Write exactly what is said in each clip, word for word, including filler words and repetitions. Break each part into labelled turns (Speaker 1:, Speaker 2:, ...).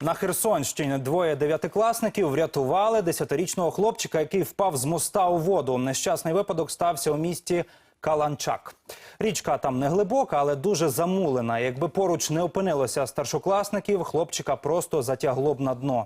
Speaker 1: На Херсонщині двоє дев'ятикласників врятували десятирічного хлопчика, який впав з моста у воду. Нещасний випадок стався у місті Каланчак. Річка там не глибока, але дуже замулена. Якби поруч не опинилося старшокласників, хлопчика просто затягло б на дно.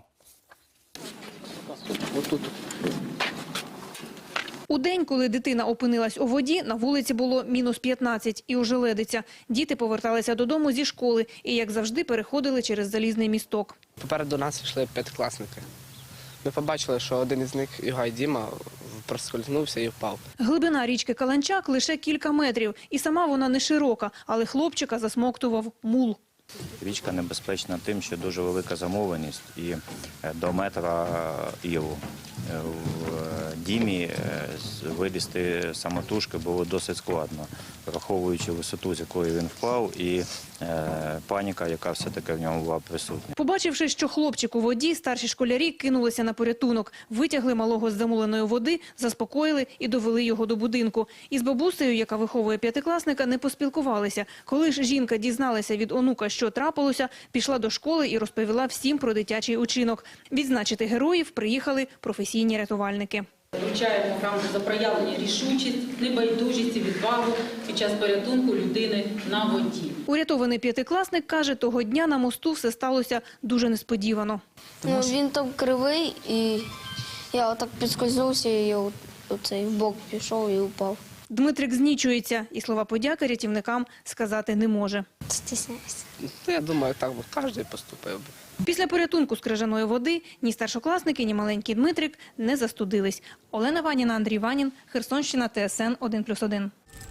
Speaker 2: У день, коли дитина опинилась у воді, на вулиці було мінус п'ятнадцять і ожеледиця. Діти поверталися додому зі школи і, як завжди, переходили через залізний місток.
Speaker 3: Попереду нас йшли п'ятикласники. Ми побачили, що один із них, Югай Діма, проскользнувся і впав.
Speaker 2: Глибина річки Каланчак лише кілька метрів. І сама вона не широка, але хлопчика засмоктував мул.
Speaker 4: Річка небезпечна тим, що дуже велика замовленість і до метра ілу. В Дімі вилізти самотужки було досить складно, враховуючи висоту, з якої він впав, і е, паніка, яка все-таки в ньому була присутня.
Speaker 2: Побачивши, що хлопчик у воді, старші школярі кинулися на порятунок. Витягли малого з замуленої води, заспокоїли і довели його до будинку. Із бабусею, яка виховує п'ятикласника, не поспілкувалися. Коли ж жінка дізналася від онука, що трапилося, пішла до школи і розповіла всім про дитячий учинок. Відзначити героїв приїхали професійні рятувальники.
Speaker 5: Вручаємо грамоту за проявлення рішучість, небайдужість і відвагу під час порятунку людини на воді.
Speaker 2: Урятований п'ятикласник каже, того дня на мосту все сталося дуже несподівано.
Speaker 6: Ну, він там кривий, і я отак підскользнувся, і я оцей в бок пішов і упав.
Speaker 2: Дмитрик знічується і слова подяки рятівникам сказати не може.
Speaker 6: Стісняюся.
Speaker 3: Я думаю, так би кожен поступив би.
Speaker 2: Після порятунку з крижаної води ні старшокласники, ні маленький Дмитрик не застудились. Олена Ваніна, Андрій Ванін, Херсонщина, Т С Н один плюс один.